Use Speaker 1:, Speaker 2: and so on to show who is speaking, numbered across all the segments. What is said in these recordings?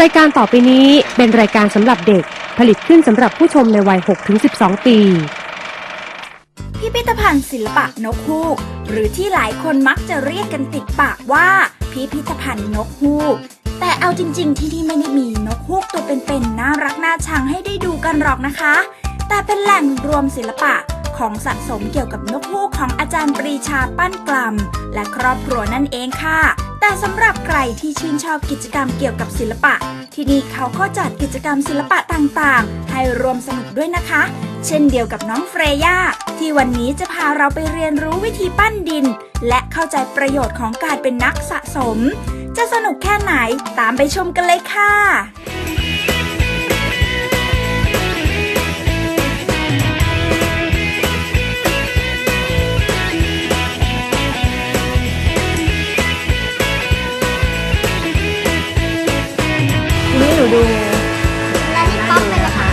Speaker 1: รายการต่อไปนี้เป็นรายการสำหรับเด็กผลิตขึ้นสำหรับผู้ชมในวัย 6-12 ปี
Speaker 2: พิพิธภัณฑ์ศิลปะนกฮูกหรือที่หลายคนมักจะเรียกกันติดปากว่าพิพิธภัณฑ์นกฮูกแต่เอาจริงๆที่นี่ไม่ได้มีนกฮูกตัวเป็นๆน่ารักน่าชังให้ได้ดูกันหรอกนะคะแต่เป็นแหล่งรวมศิลปะของสะสมเกี่ยวกับนกฮูกของอาจารย์ปรีชาปั้นกล่ำและครอบครัวนั่นเองค่ะแต่สำหรับใครที่ชื่นชอบกิจกรรมเกี่ยวกับศิลปะที่นี่เขาก็จัดกิจกรรมศิลปะต่างๆให้รวมสนุกด้วยนะคะเช่นเดียวกับน้องเฟรย่าที่วันนี้จะพาเราไปเรียนรู้วิธีปั้นดินและเข้าใจประโยชน์ของการเป็นนักสะสมจะสนุกแค่ไหนตามไปชมกันเลยค่ะ
Speaker 3: นี่หนูดู
Speaker 4: แล้วนี่ป๊อปเป็นอะไรคะ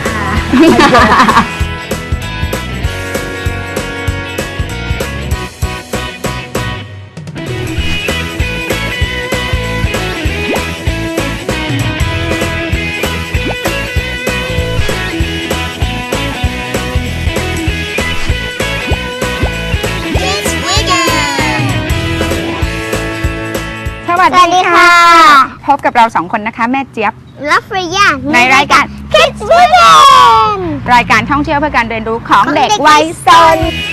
Speaker 3: สวัสดีค่ะ พบกับเรา2 คนนะคะแม่เจี๊ยบ
Speaker 4: และเฟรย่า
Speaker 3: ในรายการ
Speaker 4: Kids Weekend
Speaker 3: รายการท่องเที่ยวเพื่อการเรียนรู้ของเด็กวัยซน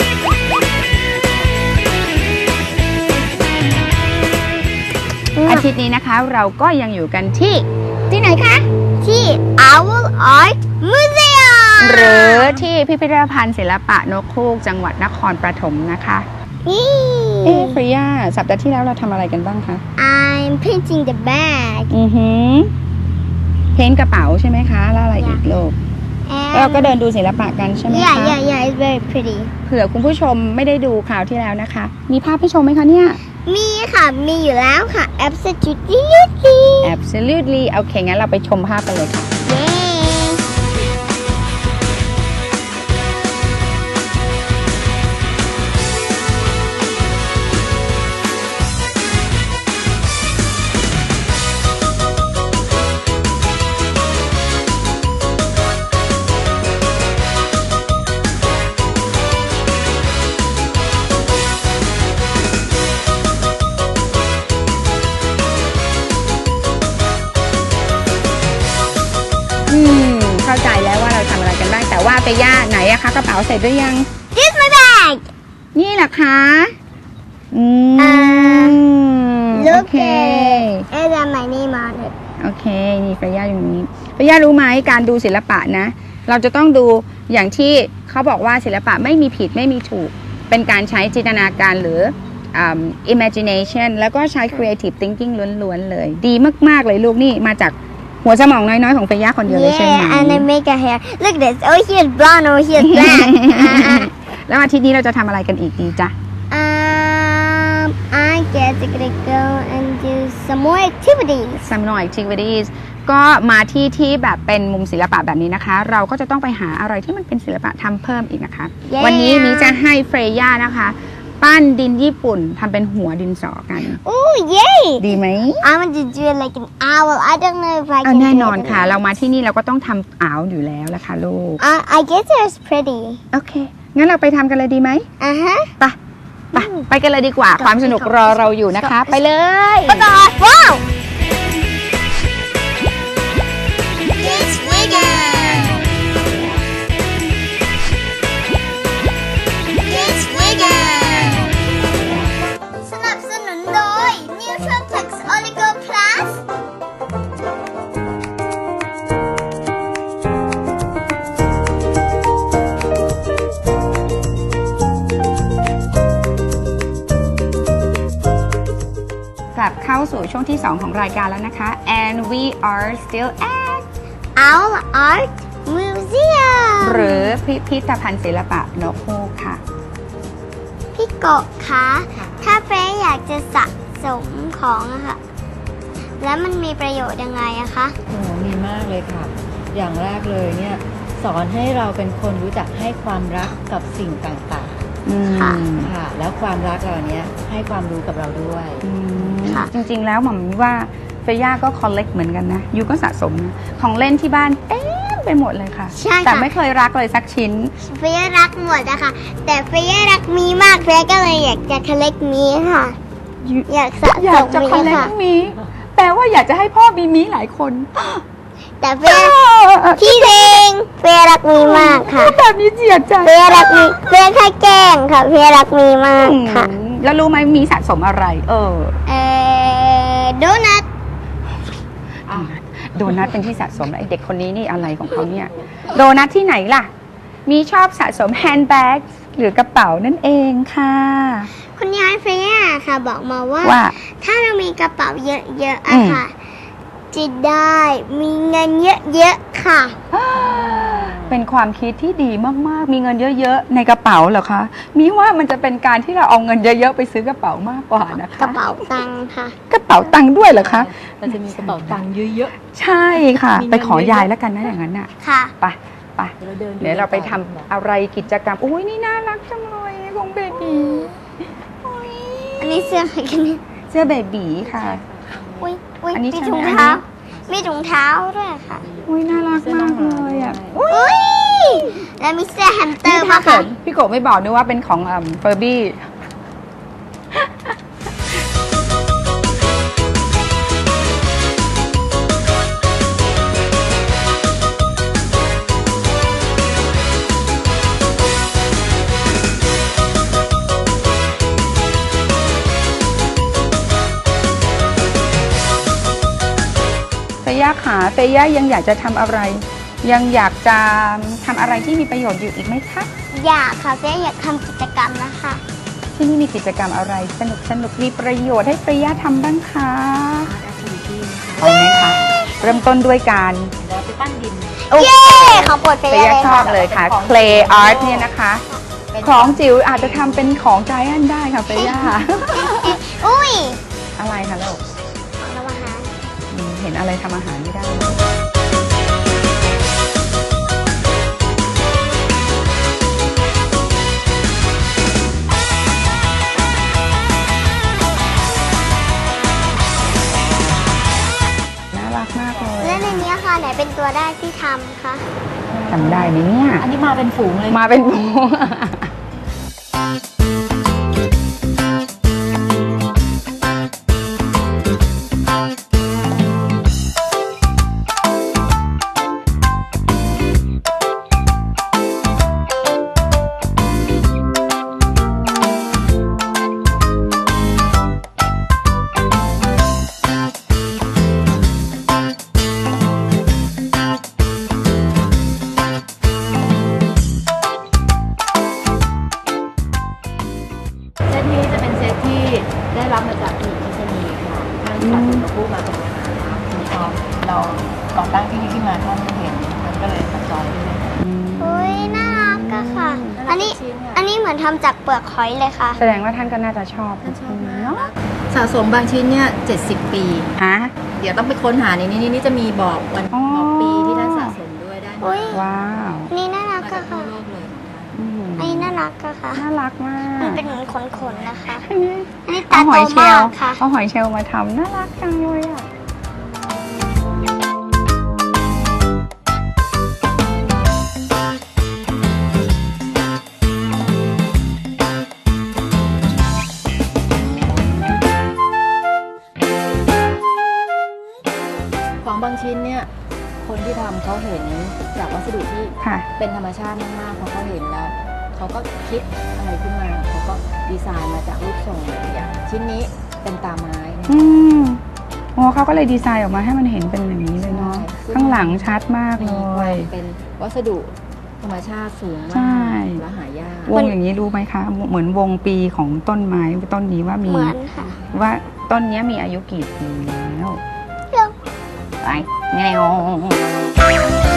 Speaker 3: อาทิตย์นี้นะคะเราก็ยังอยู่กันที่ไหนคะ
Speaker 4: ที่ Owl Art Museum
Speaker 3: หรือที่พิพิธภัณฑ์ศิลปะนกฮูกจังหวัดนครปฐมนะคะเฟรย่าสัปดาห์ที่แล้วเราทำอะไรกันบ้างคะ
Speaker 4: I'm painting the bag
Speaker 3: เพ้นท์กระเป๋าใช่ไหมคะแล้วอะไรอีกลูก
Speaker 4: and
Speaker 3: เราก็เดินดูศิลปะกันใช่ไหมคะ
Speaker 4: yeah it's very pretty
Speaker 3: เผื่อคุณผู้ชมไม่ได้ดูคราวที่แล้วนะคะมีภาพให้ชมไหมคะเนี่ย
Speaker 4: มีค่ะมีอยู่แล้วค่ะ absolutely
Speaker 3: Absolutely โอเคงั้นเราไปชมภาพกันเลยค่ะ
Speaker 4: เย้
Speaker 3: เข้าใจแล้วว่าเราทำอะไรกันบ้างแต่ว่าไปย่าไหนอะคะกระเป๋าเสร็จหรือยัง
Speaker 4: This my bag
Speaker 3: นี่แหละคะโอ
Speaker 4: look
Speaker 3: เค
Speaker 4: at it and my name on it
Speaker 3: โอเคนี่ไปย่าอยู่นี้ไปย่ารู้ไหมการดูศิลปะนะ เราจะต้องดูอย่างที่เขาบอกว่าศิลปะไม่มีผิดไม่มีถูกเป็นการใช้จินตนาการหรือimagination แล้วก็ใช้ creative thinking ล้วนๆเลยดีมากๆเลยลูกนี่มาจากหัวสมองน้อยๆของเฟย่าคนเดียวเลยใช่ไหม
Speaker 4: Yeah and I make a hair look at this oh here's brown oh here's black
Speaker 3: แล้วอาทิตย์นี้เราจะทำอะไรกันอีกดีจ๊ะ
Speaker 4: I guess I'm gonna go and do some more activities
Speaker 3: Some more activities ก็มาที่แบบเป็นมุมศิลปะแบบนี้นะคะ เราก็จะต้องไปหาอะไรที่มันเป็นศิลปะทำเพิ่มอีกนะคะ
Speaker 4: Yeah.
Speaker 3: วันนี้มีจะให้เฟรย่านะคะ ปั้นดินญี่ปุ่นทำเป็นหัวดินสอกัน
Speaker 4: oh yay
Speaker 3: ดีไหม
Speaker 4: I want to do it like an owl I don't know if I
Speaker 3: เอา
Speaker 4: can
Speaker 3: แน่
Speaker 4: do
Speaker 3: นอน
Speaker 4: it
Speaker 3: ค่ะ เรามาที่นี่เราก็ต้องทำอ่าวอยู่แล้วละค่ะลูก
Speaker 4: I guess it's pretty
Speaker 3: โอเค งั้นเราไปทำกันเลยดีไหม ไปกันเลยดีกว่า ความสนุกรอเราอยู่นะคะ ไปเลย
Speaker 4: wow
Speaker 2: Kids Weekend Kids Weekend
Speaker 4: สนับสนุนโดย Nutraflex Oligo Plus
Speaker 3: กลับเข้าสู่ช่วงที่ 2 ของรายการแล้วนะคะ and we are still at
Speaker 4: Owl Art Museum
Speaker 3: หรือพิพิธภัณฑ์ศิลปะนกฮูกค่ะ
Speaker 4: พี่โกะคะ ถ้าเฟรอยากจะสะสมของอะค่ะ แล้วมันมีประโยชน์ยังไงอะคะ
Speaker 5: โอ้มีมากเลยค่ะ อย่างแรกเลยเนี่ยสอนให้เราเป็นคนรู้จักให้ความรักกับสิ่งต่าง
Speaker 4: ค่ะ
Speaker 5: ๆค่ะ แล้วความรักเราเนี้ยให้ความรู้กับเราด้วย
Speaker 4: ค่ะ
Speaker 3: จริงๆแล้วหม่อมว่าเฟย่าก็คอลเลกเหมือนกันนะยูก็สะสมนะของเล่นที่บ้านเต็มไปหมดเลยค่ะ
Speaker 4: ใช่ค่ะ
Speaker 3: แต่ไม่เคยรักเลยสักชิ้น
Speaker 4: เฟย่ารักหมดอะค่ะ แต่เฟย่ารักมีมากเฟย่าก็เลยอยากจะคอลเลกมีค่ะ อยากสะ
Speaker 3: อยา
Speaker 4: ส
Speaker 3: ก
Speaker 4: ม
Speaker 3: จะ
Speaker 4: มี
Speaker 3: คอลเลก
Speaker 4: ค่ะ
Speaker 3: มีแปลว่าอยากจะให้พ่อมีมีหลายคน
Speaker 4: แต่เฟย่าพี่เพลงเฟย่ารักมีมากค่ะ
Speaker 3: แบบนี้เจียดใจ
Speaker 4: เฟย่ารักมีเฟย่าแค่แกล้งค่ะเฟย่ารักมีมากค่ะ
Speaker 3: แล้วรู้ไหมมีสะสมอะไร
Speaker 4: โดนัท
Speaker 3: โดนัทเป็นที่สะสมไอเด็กคนนี้นี่อะไรของเขาเนี่ยโดนัทที่ไหนล่ะ มีชอบสะสมแฮนด์แบ็กหรือกระเป๋านั่นเองค่ะ
Speaker 4: คุณยายเฟย่าค่ะ บอกมาว่า
Speaker 3: ว่า
Speaker 4: ถ้าเรามีกระเป๋าเยอะๆอะค่ะจะได้มีเงินเยอะๆค่ะ
Speaker 3: เป็นความคิดที่ดีมากๆ มีเงินเยอะๆในกระเป๋าเหรอคะมีว่ามันจะเป็นการที่เราเอาเงินเยอะๆไปซื้อกระเป๋ามากกว่านะคะ
Speaker 4: กระเป๋าตังค์ค่ะ
Speaker 3: กระเป๋าตังค์ด้วยเหรอคะ
Speaker 5: เราจะมีกระเป๋าตังค์เยอะ
Speaker 3: ใช่ค่ะ
Speaker 5: มีเงิน
Speaker 3: ไปขอยายแล้วกันนะอย่างนั้นน่ะ
Speaker 4: ค่ะ
Speaker 3: ไปไป
Speaker 5: ๆเราเดิน
Speaker 3: เดี๋ยวเราไปทำอะไรกิจกรรมอุ้ยนี่น่ารักจังเลยของเบบีอุ๊ย
Speaker 4: อันนี้เสื้ออะไรกันเนี่ย
Speaker 3: เสื้อเบบีค่ะ
Speaker 4: อุ้ย
Speaker 3: อันนี้
Speaker 4: มี
Speaker 3: ใช่
Speaker 4: ถุง
Speaker 3: ไหม
Speaker 4: เท้า มีถุงเท้าด้วยค่ะ
Speaker 3: อุ้ยน่ารักมากเลยอ่ะ
Speaker 4: อุ้ย แล้วมีเสื้อแฮมสเตอ
Speaker 3: นี่
Speaker 4: ร์
Speaker 3: ถ้า
Speaker 4: มา
Speaker 3: เกิ
Speaker 4: ค่ะ
Speaker 3: ดพี่โกะไม่บอกนึกว่าเป็นของเฟอร์บี้เฟย่าขาเฟย่ายังอยากจะทำอะไร ยังอยากจะทำอะไรที่มีประโยชน์อยู่อีกไหมคะ
Speaker 4: อยากค่ะเจ๊อยากทำกิจกรรมนะคะ
Speaker 3: ที่นี่มีกิจกรรมอะไรสนุกมีประโยชน์ให้เฟย่าทำบ้างคะเอาไหมคะเริ่มต้นด้วยการ
Speaker 5: เราไปปั้นดิน
Speaker 4: เย้ของโปรดเฟ
Speaker 3: เฟ
Speaker 4: ย่า
Speaker 3: ย่า
Speaker 4: เลย
Speaker 3: ชอ
Speaker 4: ค่ะ
Speaker 3: บเลยค่ะ clay art เนี่ยนะคะ ของจิ๋วอาจจะทำเป็นของใจแอนได้ค่ะเฟย่า
Speaker 4: อุ้ย
Speaker 3: อะไรคะลูก
Speaker 4: ของเราอาหาร
Speaker 3: เห็นอะไรทำอาหารไม่ได้น่ารักมากเลย
Speaker 4: และในนี้ค่ะไหนเป็นตัวแรกที่ทำคะ
Speaker 3: จำได้ไหมเนี่ย
Speaker 5: อันนี้มาเป็นฝูงเลย
Speaker 3: มาเป็นหมู
Speaker 5: เซตนี้จะเป็นเซตที่ได้รับมาจากผู้หญิงที่ชนีค่ะท่านตัดสินผู้มาเป็นนะคะทีนี้พอเราก่อตั้งที่นี่ขึ้นมาท่านเห็นมันก็เลยสับซ้อนด้วย
Speaker 4: อุ้ยน่ารักอะค่ะ อันนี้เหมือนทำจากเปลือกหอยเลยค่ะ
Speaker 3: แสดงว่าท่านก็น่าจะชอบ
Speaker 5: ท่านชอบมาก
Speaker 3: เนาะ
Speaker 5: สะสมบางชิ้นเนี่ย70 ปี
Speaker 3: ฮะ
Speaker 5: เดี๋ยวต้องไปค้นหาในนี้นี่จะมีบอกวัน
Speaker 3: อ๋อ
Speaker 5: บอกปีที่ท่านสะสมด้วยได้
Speaker 4: อุ๊ย
Speaker 3: ว้าว
Speaker 4: อันนี้น่ารัก
Speaker 5: มาจาก
Speaker 4: อะ
Speaker 5: ทั่ว
Speaker 4: ค่ะ
Speaker 5: โลกเลย
Speaker 3: อืม
Speaker 4: อันนี้น่ารักอะค่ะ
Speaker 3: น่ารักมาก
Speaker 4: มันเป็นเหมือนขนๆนะคะ
Speaker 3: อันนี้
Speaker 4: อันนี้
Speaker 3: เอา
Speaker 4: ตา
Speaker 3: ห
Speaker 4: โต
Speaker 3: อยเชล
Speaker 4: มา
Speaker 3: ล์
Speaker 4: กค่ะ
Speaker 3: เอาหอยเชลล์มาทำน่ารักจังเลยอ่ะ
Speaker 5: ของบางชิ้นเนี่ยคนที่ทำเขาเห็นจากวัสดุที่
Speaker 3: ค่ะ
Speaker 5: เป็นธรรมชาติมากๆพอเขาเห็นแล้วเขาก็คิดอะไรขึ้นมาเขาก็ดีไซน์มาจากรูปทรงอย่างชิ้นนี้เป็นตาไม้เนี่ย
Speaker 3: อืมโอ้เขาก็เลยดีไซน์ออกมาให้มันเห็นเป็นอย่างนี้เลยเนาะ
Speaker 5: ใช่
Speaker 3: ข้างหลังชัดมากเล
Speaker 5: มีควา
Speaker 3: ย
Speaker 5: มเป็นวัสดุธรรมชาติสูง
Speaker 3: ใช่
Speaker 5: มากและหายาก
Speaker 3: วงอย่างนี้รู้ไหมคะ เหมือนวงปีของต้นไม้ต้นนี้ว่ามี
Speaker 4: เหมือนค่ะ
Speaker 3: ว่าต้นเนี้ยมีอายุกี่ปีแล้ว
Speaker 4: เร็ว
Speaker 3: ไปแงว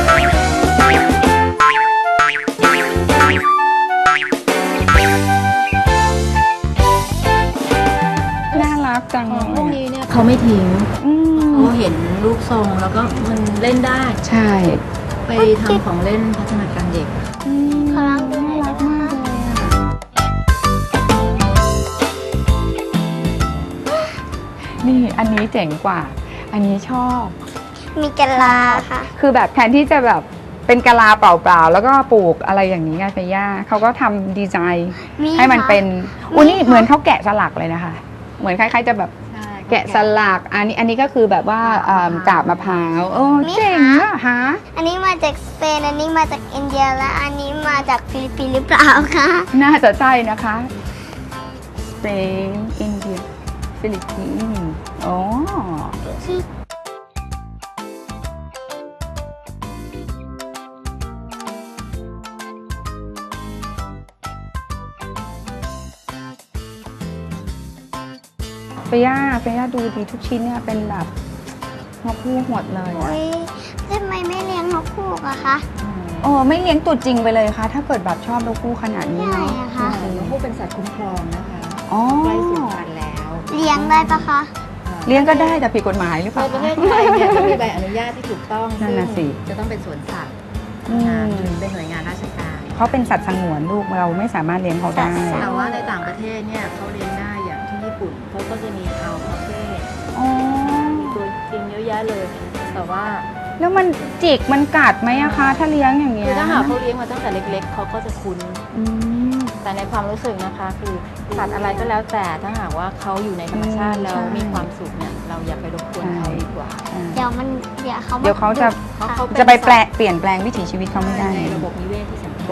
Speaker 3: น่ารักจัง
Speaker 5: ของพ
Speaker 3: เล
Speaker 5: วก
Speaker 3: ย
Speaker 5: นี้เนี่ยเขาไม่ทิ้ง
Speaker 3: อืม
Speaker 5: เขาเห็นรูปทรงแล้วก็มันเล่นได้
Speaker 3: ใช่
Speaker 5: ไปทำของเล่นพัฒนาการเด็ก
Speaker 4: ขอลองดูหน่
Speaker 3: น่า
Speaker 4: อย
Speaker 3: รัก
Speaker 4: ได้ไหม
Speaker 3: มาก
Speaker 4: คะ
Speaker 3: เลยอ่ะนี่อันนี้เจ๋งกว่าอันนี้ชอบ
Speaker 4: มีกะลาค่ะ
Speaker 3: คือแบบแทนที่จะแบบเป็นกะลาเปล่าๆแล้วก็ปลูกอะไรอย่างนี้ไงเฟย่าเขาก็ทำดีไซน์ให้มันเป็นอุ้ยนี่เหมือนเขาแกะสลักเลยนะคะ เหมือนคล้ายๆจะแบบแกะสลักอันนี้ก็คือแบบว่ากาบมะพร้าวโอ้เจ๋งอะฮะ
Speaker 4: อันนี้มาจากสเปน อันนี้มาจากอินเดีย และอันนี้มาจากฟิลิปปินส์หรือเปล่าคะ
Speaker 3: น่าจะใช่นะคะสเปนอินเดียฟิลิปปินส์อ๋อเฟย่าดูดีทุกชิ้นเนี่ยเป็นแบบนกฮูกหมดเลย
Speaker 4: โอ้ยทำไมไม่เลี้ยงนกฮูกอะคะ
Speaker 3: โอ้ไม่เลี้ยงตัวจริงไปเลยค่ะ ถ้าเกิดแบบชอบนกฮูกขนาดนี้
Speaker 4: ใช่
Speaker 3: เนาะ
Speaker 4: อะคะ
Speaker 5: นกฮูกเป็นสัตว์คุ้มครองนะคะ
Speaker 3: อ๋อ
Speaker 5: ใกล้สูญพันธุ์แล้ว
Speaker 4: เลี้ยงได้ปะคะ
Speaker 3: เลี้ยงก็ได้แต่ผิดกฎหมายหรือเป
Speaker 5: ใน
Speaker 3: ล่า
Speaker 5: ประเทศไทยเนี่ยต้องมีใบอนุญาตที่ถูกต้อง
Speaker 3: นั่นน่ะสิ
Speaker 5: ซึ่งจะต้องเป็นสวนสัตว์
Speaker 3: อืม
Speaker 5: เป็นหน่วยงานราชการ
Speaker 3: เขาเป็นสัตว์สงวนลูกเราไม่สามารถเลี้ยงเขาได้
Speaker 5: แต่ว่าในต่างประเทศเนี่ยเขาเลี้ยงได้อย่างที่ญี่ปุ่นเขาก็จะมีอัลพาเฟ่
Speaker 3: อ๋อ
Speaker 5: มีตัวจริงเยอะแยะเลย แต่ว่า
Speaker 3: แล้วมันจิกมันกัดไหมอะคะ ถ้าเลี้ยงอย่างเงี้
Speaker 5: คื
Speaker 3: ย
Speaker 5: อถ้าหากเขาเลี้ยงมาตั้งแต่เล็กๆเขาก็จะคุ้น
Speaker 3: อืม
Speaker 5: แต่ในความรู้สึกนะคะคือสัตว์อะไรก็แล้วแต่ถ้าหากว่าเขาอยู่ในธรรมชาติแล้ว
Speaker 3: ใช่
Speaker 5: มีความสุขเนี่ยเราอย่าไปรบกวนเขาดีกว่า
Speaker 4: เดี๋ยวเขา
Speaker 3: เดี๋ยวเขาจะ
Speaker 5: เพราะเขาเป็น
Speaker 3: จะไปเปลี่ยนแปลงวิถีชีวิตเขาไม่ได้
Speaker 5: ในระบบนิเวศที่สำคัญ
Speaker 3: โอ้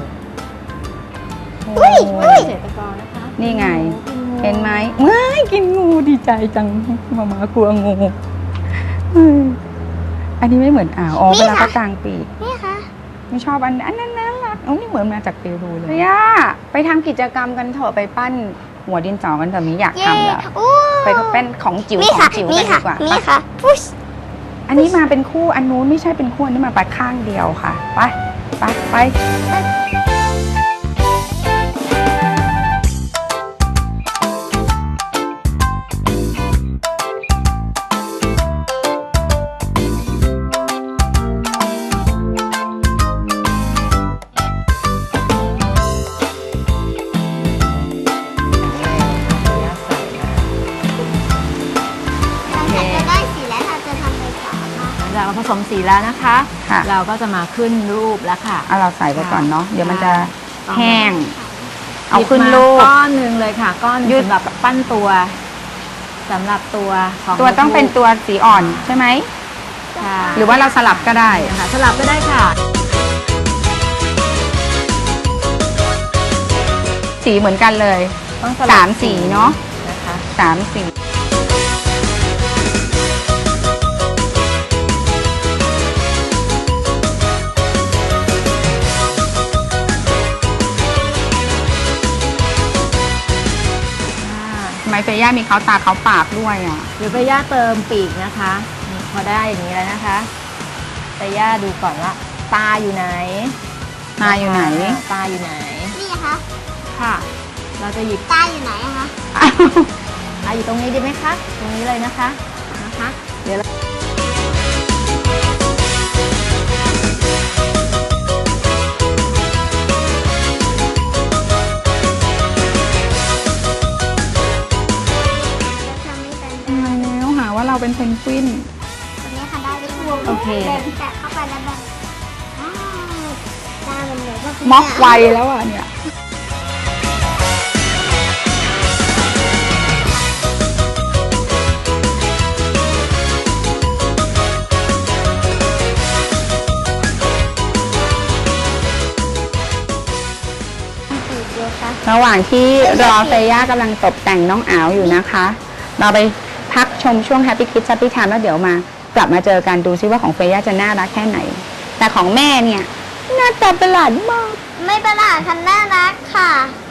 Speaker 4: อุ้ย
Speaker 5: เกษตรกรนะคะ
Speaker 3: นี่ไง เห็นไหมว้ายกินงูดีใจจังมากลัวงูอันนี้ไม่เหมือนอ๋อเวลาเขากลางปีก
Speaker 4: นี่ค่ะ
Speaker 3: ไม่ชอบอันนั้นน่ารักนี่เหมือนมาจากเปรูเลยย่าไปทำกิจกรรมกันเถอะไปปั้นหัวดินสอกันเถอะมีอยาก
Speaker 4: เย้
Speaker 3: ทำแล้ว
Speaker 4: อู้
Speaker 3: ไปเป็นของจิ๋ว
Speaker 4: นี่
Speaker 3: ขอ
Speaker 4: ค่ะ
Speaker 3: งจิ๋ว
Speaker 4: นี่
Speaker 3: กันดี
Speaker 4: ค่ะ
Speaker 3: กว่า
Speaker 4: นี่ค่ะพุช
Speaker 3: อันนี้มาเป็นคู่อันนู้นไม่ใช่เป็นคู่อันนี้มาไปข้างเดียวค่ะไป
Speaker 4: หลังจากจะได้สีแล้วเราจะทำอะไรต่อคะ
Speaker 5: หลังจากเราผสมสีแล้วนะคะ
Speaker 3: ค่ะ
Speaker 5: เราก็จะมาขึ้นรูปแล้วค่ะ
Speaker 3: เอาเราใส่ไปก่อนเนาะเดี๋ยวมันจะ
Speaker 5: ค่ะ
Speaker 3: แห้ง เอา
Speaker 5: หยิบ
Speaker 3: ขึ้น
Speaker 5: มา
Speaker 3: รูป
Speaker 5: ก้อนหนึ่งเลยค่ะ ก้อนหนึ่ง
Speaker 3: ยืด
Speaker 5: สำหรับปั้นตัวสำหรับตัวของ
Speaker 3: ตัวต้องเป็นตัวสีอ่อนใช่ไหม
Speaker 5: ค่ะ
Speaker 3: หรือว่าเราสลับก็ได้
Speaker 5: ค่ะสลับก็ได้ค่ะ
Speaker 3: สีเหมือนกันเลย
Speaker 5: ต้องส
Speaker 3: สา
Speaker 5: ลับ
Speaker 3: มสีเนาะ
Speaker 5: นะคะ
Speaker 3: 3 สีทำไมเฟย่ามีเขาตาเขาปากด้วยอ่ะ
Speaker 5: เดี๋ยวไปย่าเติมปีกนะคะนี่พอได้อย่างนี้แล้วนะคะไปย่าดูก่อนว่าตาอยู่ไหน
Speaker 3: ตาอยู่ไหน
Speaker 5: ตาอยู่ไหน
Speaker 4: นี่ค่ะ
Speaker 5: ค่ะ เราจะหยิบ
Speaker 4: ตาอยู่ไหนอะคะ
Speaker 5: อยู่ตรงนี้ดีไหมคะ ตรงนี้เลยนะคะเดี๋ยวเรา
Speaker 4: ทำไม่เป็น
Speaker 3: ทำไมแล้วหาว่าเราเป็นเพนกวิน
Speaker 4: ตรงนี้ค่ะได้ไปทั่ว
Speaker 5: โอเค
Speaker 4: แบบแตะเข้าไปแล้วแบบอ้าวตามันเหมือนว่าเป็น
Speaker 3: ม็อกไวแล้วอ่ะเนี่ย ระหว่างที่รอเฟย่ากำลังตกแต่งน้องอ๋าวอยู่นะคะ เราไปพักชมช่วง Happy Kids Happy Time แล้วเดี๋ยวมากลับมาเจอกันดูซิว่าของเฟย่าจะน่ารักแค่ไหน แต่ของแม่เนี่ยหน้าตาประหลาดมาก
Speaker 4: ไม่ประหลาดค่ะน่ารักค่ะ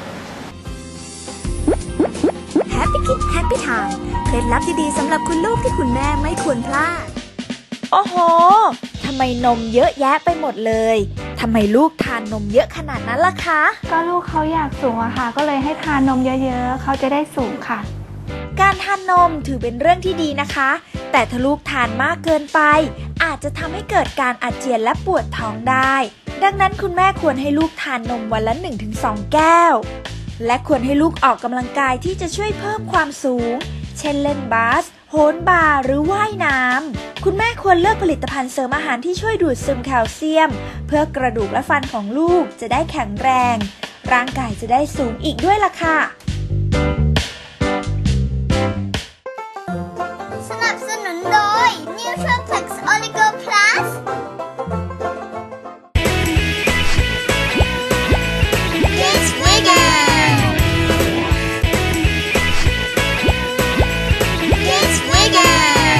Speaker 2: Happy Kids Happy Time เคล็ดลับดีๆสำหรับคุณลูกที่คุณแม่ไม่ควรพลาด โอ้โห ทำไมนมเยอะแยะไปหมดเลย ทำไมลูกทานนมเยอะขนาดนั้นล่ะคะ
Speaker 6: ก็ลูกเขาอยากสูงอะค่ะ ก็เลยให้ทานนมเยอะๆ เขาจะได้สูงค่ะ
Speaker 2: การทานนมถือเป็นเรื่องที่ดีนะคะ แต่ถ้าลูกทานมากเกินไป อาจจะทำให้เกิดการอาเจียนและปวดท้องได้ ดังนั้นคุณแม่ควรให้ลูกทานนมวันละ 1-2 แก้ว และควรให้ลูกออกกำลังกายที่จะช่วยเพิ่มความสูง เช่นเล่นบาส โหโหนบาร์หรือว่ายน้ำคุณแม่ควรเลือกผลิตภัณฑ์เสริมอาหารที่ช่วยดูดซึมแคลเซียมเพื่อกระดูกและฟันของลูกจะได้แข็งแรงร่างกายจะได้สูงอีกด้วยล่ะค่ะ
Speaker 4: สนับสนุนโดย Nutraplex Oligo Plus It's vegan It's vegan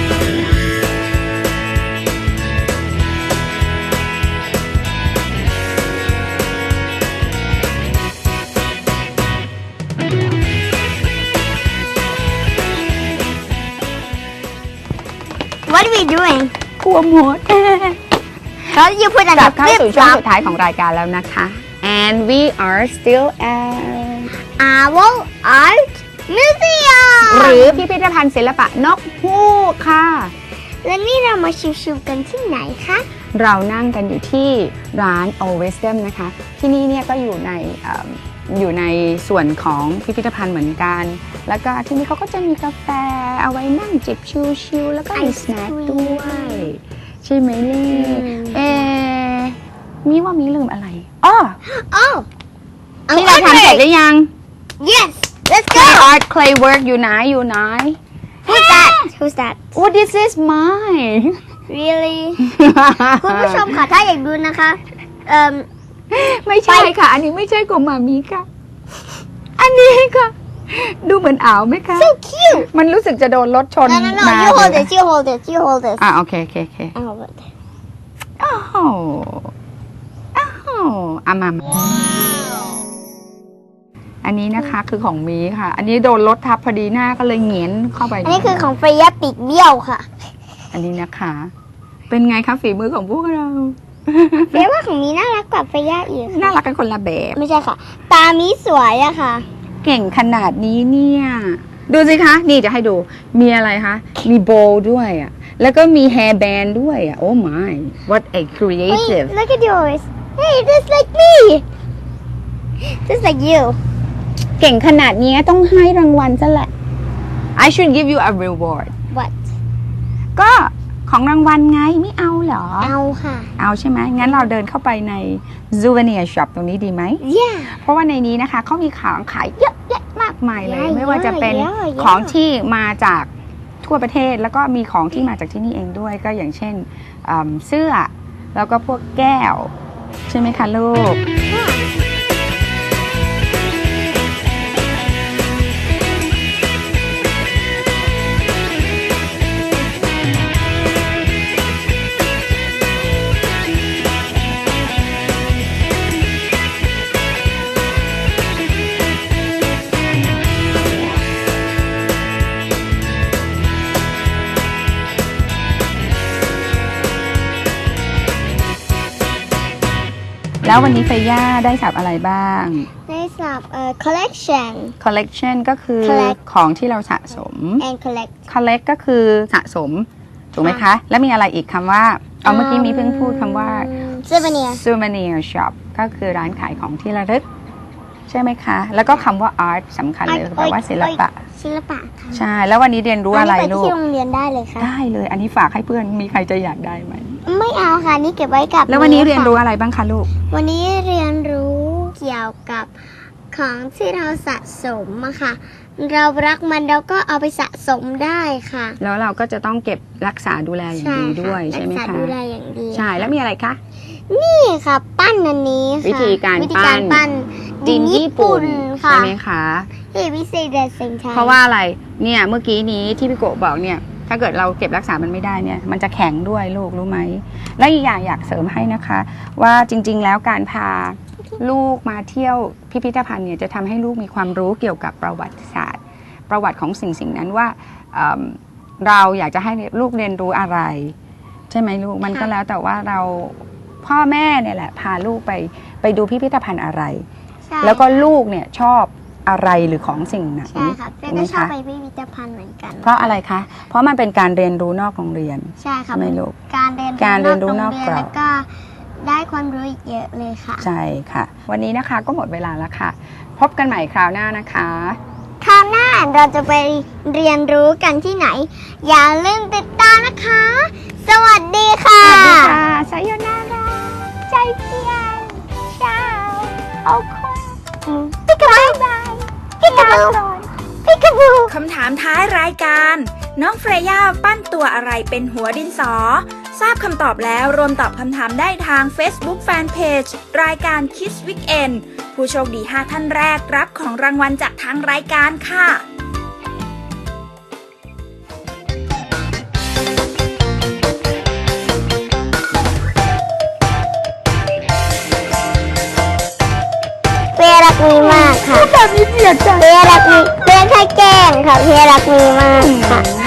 Speaker 4: What are we doing?
Speaker 3: กลัวหมด
Speaker 4: How did you put
Speaker 3: ก
Speaker 4: on
Speaker 3: ลั
Speaker 4: a
Speaker 3: บเข้า
Speaker 4: flip
Speaker 3: สู่ช่วง
Speaker 4: flop?
Speaker 3: สุดท้ายของรายการแล้วนะคะ and we are still at
Speaker 4: Owl Art Museum
Speaker 3: หรือพิพิธภัณฑ์ศิลปะนกฮูกค่ะ
Speaker 4: และนี่เรามาชิวๆกันที่ไหนคะ
Speaker 3: เรานั่งกันอยู่ที่ร้าน o Wisdom นะคะ ที่นี่เนี่ยก็อยู่ในส่วนของพิพิธภัณฑ์เหมือนกัน แล้วก็ที่นี่เขาก็จะมีกาแฟเอาไว้นั่งจิบชิลๆแล้วก็มีสแน็คด้วย ใช่ไหมลี่มีว่ามีลืมอะไรอ๋อ
Speaker 4: Oh
Speaker 3: ที่เราทำเสร็จหรือยัง
Speaker 4: Yes Let's
Speaker 3: Clay
Speaker 4: go
Speaker 3: art clay work อยู่ไหน
Speaker 4: Who's that Who's that
Speaker 3: What is this mine
Speaker 4: Really คุณผู้ชมค่ะถ้าอยากดูนะคะ
Speaker 3: ไม่ใช่ค่ะ อันนี้ไม่ใช่ของมามีค่ะ อันนี้ค่ะ ดูเหมือนอ่าวไหมคะ
Speaker 4: So cute
Speaker 3: มันรู้สึกจะโดนรถชน
Speaker 4: No You hold this You hold this You hold this
Speaker 3: โอเค
Speaker 4: I hold it
Speaker 3: อ้าวมาอันนี้นะคะคือของมีค่ะ อันนี้โดนรถทับพอดีหน้าก็เลยเหงียนเข้าไป
Speaker 4: อันนี้คือของเฟรย่าปีกเบี้ยวค่ะ
Speaker 3: อันนี้นะคะ เป็นไงคะฝีมือของพวกเรา
Speaker 4: เฟรว่าของมีน่ารักกว่าเฟรย่าอีก
Speaker 3: น่ารักกันคนละแบบ
Speaker 4: ไม่ใช่ค่ะ ตามีสวยอะค่ะ
Speaker 3: เก่งขนาดนี้เนี่ย ดูสิคะ นี่จะให้ดู มีอะไรคะ มีโบว์ด้วยอ่ะ แล้วก็มีแฮร์แบนด์ด้วยอ่ะ Oh my what a creative
Speaker 4: Wait, look at yours Hey just like me Just like you
Speaker 3: เก่งขนาดนี้ต้องให้รางวัลซะแหละ I should give you a reward
Speaker 4: What
Speaker 3: ก็ของรางวัลไงไม่เอาเหรอ
Speaker 4: เอาค่ะ
Speaker 3: เอาใช่ไหมงั้นเราเดินเข้าไปใน souvenir shop ตรงนี้ดีไหม
Speaker 4: Yeah
Speaker 3: เพราะว่าในนี้นะคะเขามีของขายเยอะแยะมากมายเลย
Speaker 4: เยอะ
Speaker 3: ไม่ว่าจะเป็น
Speaker 4: เยอะ
Speaker 3: ของที่มาจากทั่วประเทศแล้วก็มีของที่มาจากที่นี่เองด้วยก็อย่างเช่นเสื้อแล้วก็พวกแก้ว ใช่ไหมคะลูก แล้ววันนี้เฟย่าได้สับอะไรบ้าง
Speaker 4: ได้สับcollection
Speaker 3: collection ก็คือ
Speaker 4: collect
Speaker 3: ของที่เราสะสม
Speaker 4: and collect
Speaker 3: collect ก็คือสะสม ถูกไหมคะ แล้วมีอะไรอีกคำว่า เอาเมื่อกี้มีเพิ่งพูดคำว่า
Speaker 4: souvenir
Speaker 3: souvenir shop ก็คือร้านขายของที่ระลึก ใช่ไหมคะ แล้วก็คำว่า art สำคัญเลยแปลว่าศิลปะ
Speaker 4: ศิลปะค่ะ
Speaker 3: ใช่ แล้ววันนี้เรียนรู้อะไร
Speaker 4: นนี้
Speaker 3: ลู
Speaker 4: ไป
Speaker 3: ก
Speaker 4: ที่โรงเรียนได้เลยค่ะ
Speaker 3: ได้เลย อันนี้ฝากให้เพื่อน มีใครจะอยากได้ไหม
Speaker 4: ไม่เอาค่ะนี่เก็บไว้กับ
Speaker 3: แล้ววันนี้เรียนรู้
Speaker 4: ค่ะ
Speaker 3: อะไรบ้างคะลูก
Speaker 4: วันนี้เรียนรู้เกี่ยวกับของที่เราสะสมอะค่ะ เรารักมันเราก็เอาไปสะสมได้ค่ะ
Speaker 3: แล้วเราก็จะต้องเก็บรักษาดูแลอย่างดีด้วยใช่ไหม
Speaker 4: รักษา
Speaker 3: คะ
Speaker 4: ดูแลอย่างดี
Speaker 3: ใช่ แล้วมีอะไรคะ
Speaker 4: นี่ค่ะ ปั้นอันนี้ค่ะ
Speaker 3: วิธีการ
Speaker 4: ปั้น
Speaker 3: ดินญี่ปุ่น
Speaker 4: ค่ะ
Speaker 3: ใช่ไหมคะ
Speaker 4: ที่วิเศษเดชเซนชัย
Speaker 3: เพราะว่าอะไร เนี่ยเมื่อกี้นี้ที่พี่โกะบอกเนี่ย ถ้าเกิดเราเก็บรักษามันไม่ได้เนี่ย มันจะแข็งด้วยลูกรู้ไหม และอีกอย่างอยากเสริมให้นะคะ ว่าจริงๆแล้วการพาลูกมาเที่ยวพิพิธภัณฑ์เนี่ยจะทำให้ลูกมีความรู้เกี่ยวกับประวัติศาสตร์ ประวัติของสิ่งนั้นว่าเราอยากจะให้ลูกเรียนรู้อะไร ใช่ไหมลูกมันก็แล้วแต่ว่าเราพ่อแม่เนี่ยแหละพาลูกไปดูพิพิธภัณฑ์อะไร
Speaker 4: ใช่
Speaker 3: แล้วก็ลูกเนี่ยชอบอะไรหรือของสิ่งไหน
Speaker 4: ใช่ค่ะเฟรก็ชอบไปพิพิธภัณฑ์เหมือนกัน
Speaker 3: เพราะอะไรคะ เพราะมันเป็นการเรียนรู้นอกโรงเรียน
Speaker 4: ใช่ค่ะ
Speaker 3: ไม่ลูก
Speaker 4: การเรียนรู้นอก
Speaker 3: กรอบ
Speaker 4: แล้วก็ได้ความรู้อีกเยอะเลยค่ะ
Speaker 3: ใช่ค่ะ วันนี้นะคะก็หมดเวลาแล้วค่ะ พบกันใหม่คราวหน้านะคะ
Speaker 4: คราวหน้าเราจะไปเรียนรู้กันที่ไหน อย่าลืมติดตามนะคะ สวัสดีค่ะ
Speaker 3: สวัสดีค่ะไซโยนาราใจเพียนเช้าเอาคุณ
Speaker 4: ปิกาบูปิกาบูปิกาบู
Speaker 2: คำถามท้ายรายการ น้องเฟรย่าปั้นตัวอะไรเป็นหัวดินสอ ทราบคำตอบแล้วรวมตอบคำถามได้ทาง Facebook Fanpage รายการ Kids Weekend ผู้โชคดี 5 ท่านแรกรับของรางวัลจากทางรายการค่ะ
Speaker 4: เพียรักมีมากค่ะแบบนี้เสียใจเพียรักมีเพียแค่แกล้งค่ะเพียรักมีมากค่ะ